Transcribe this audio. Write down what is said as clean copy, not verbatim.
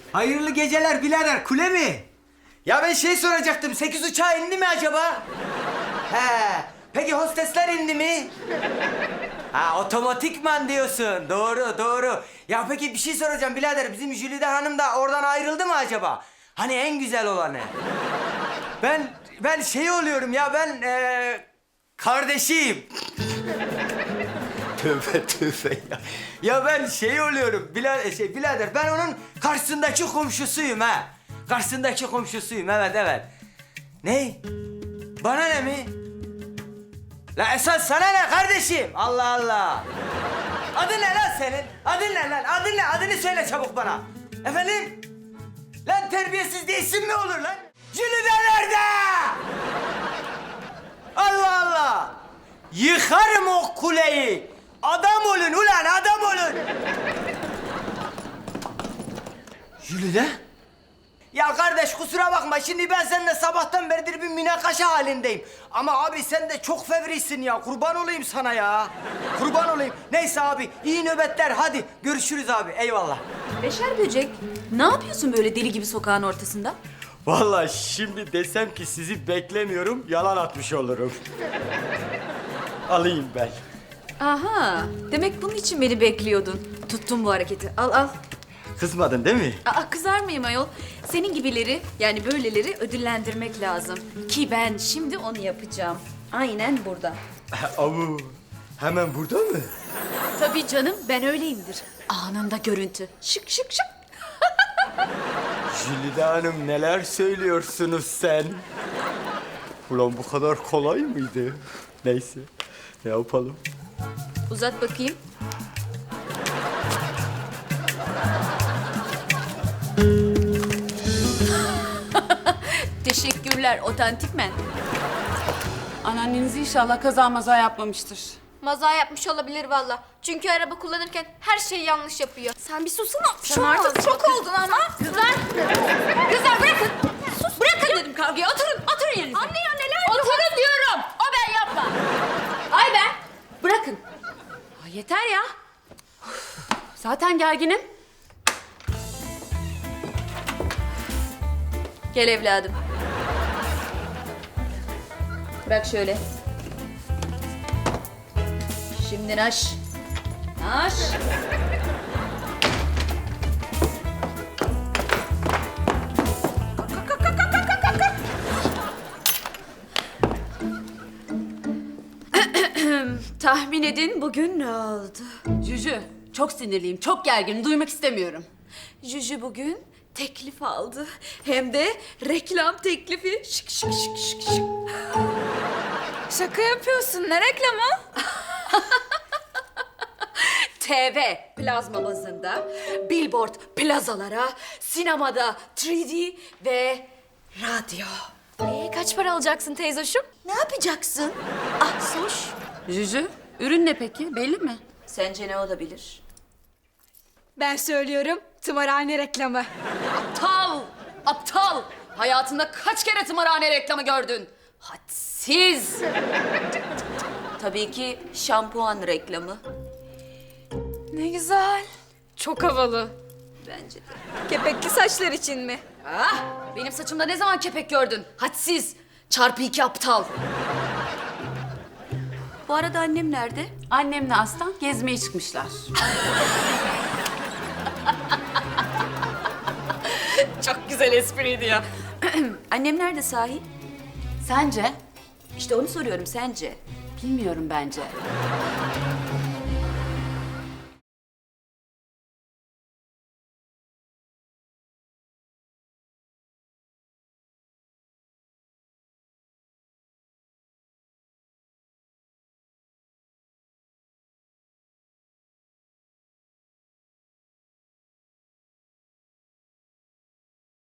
Hayırlı geceler birader, kule mi? Ya ben şey soracaktım, 8 uçağı indi mi acaba? He, peki hostesler indi mi? Ha, otomatikman diyorsun. Doğru, doğru. Ya peki bir şey soracağım birader, bizim Jülide Hanım da oradan ayrıldı mı acaba? Hani en güzel olanı. Ben şey oluyorum ya, ben kardeşiyim. Tövbe tövbe ya. Ya ben şey oluyorum, birader ben onun karşısındaki komşusuyum ha. Karşısındaki komşusuyum, evet evet. Ne? Bana ne mi? La esas sana ne kardeşim? Allah Allah. Adın ne lan senin? Adın ne lan? Adın ne? Adını söyle çabuk bana. Efendim? Lan terbiyesiz diye isim mi olur lan? Jülide nerede? Allah Allah. Yıkarım o kuleyi. Adam olun ulan, adam olun. Jülide? Ya kardeş kusura bakma, şimdi ben seninle sabahtan beridir bir münakaşa halindeyim. Ama abi sen de çok fevrisin ya, kurban olayım sana ya. Kurban olayım. Neyse abi, iyi nöbetler, hadi görüşürüz abi, eyvallah. Beşer böcek, ne yapıyorsun böyle deli gibi sokağın ortasında? Vallahi şimdi desem ki sizi beklemiyorum, yalan atmış olurum. Alayım ben. Aha, demek bunun için beni bekliyordun. Tuttum bu hareketi, al al. Kızmadın değil mi? Aa, kızar mıyım ayol? Senin gibileri, yani böyleleri ödüllendirmek lazım. Ki ben şimdi onu yapacağım. Aynen burada. Avu, hemen burada mı? Tabii canım, ben öyleyimdir. Anında görüntü. Şık şık şık. Jülide Hanım neler söylüyorsunuz sen? Ulan bu kadar kolay mıydı? Neyse, ne yapalım? Uzat bakayım. Teşekkürler, otantik men. Anneanneniz inşallah kaza maza yapmamıştır. Maza yapmış olabilir valla. Çünkü araba kullanırken her şeyi yanlış yapıyor. Sen bir susana. Sen artık çok oldun ama. Kızlar! Kızlar bırakın! Sus! Bırakın dedim kavgayı. Oturun yerinize. Anne ya neler Oturun diyorum. O ben yapma. Ay ben. Bırakın. Ay yeter ya. Uf, zaten gerginim. Gel evladım. Bırak şöyle. Şimdi naş. Naş. Tahmin edin bugün ne oldu? Cücü, çok sinirliyim, çok gerginim. Duymak istemiyorum. Juju bugün teklif aldı. Hem de reklam teklifi. Şık şık şık şık şık. Şaka yapıyorsun. Ne reklamı? TV plazma bazında, billboard plazalara, sinemada 3D ve radyo. Kaç para alacaksın teyzoşum? Ne yapacaksın? Ah soş. Cücü, ürün ne peki? Belli mi? Sence ne olabilir? Ben söylüyorum. Tımarhane reklamı. Aptal! Aptal! Hayatında kaç kere tımarhane reklamı gördün? Hadsiz! Tabii ki şampuan reklamı. Ne güzel. Çok havalı. Bence de. Kepekli saçlar için mi? Ah! Benim saçımda ne zaman kepek gördün? Hadsiz! Çarpı 2 aptal. Bu arada annem nerede? Annemle Aslan gezmeye çıkmışlar. Çok güzel espriydi ya. Annem nerede sahi? Sence? İşte onu soruyorum, sence? Bilmiyorum bence.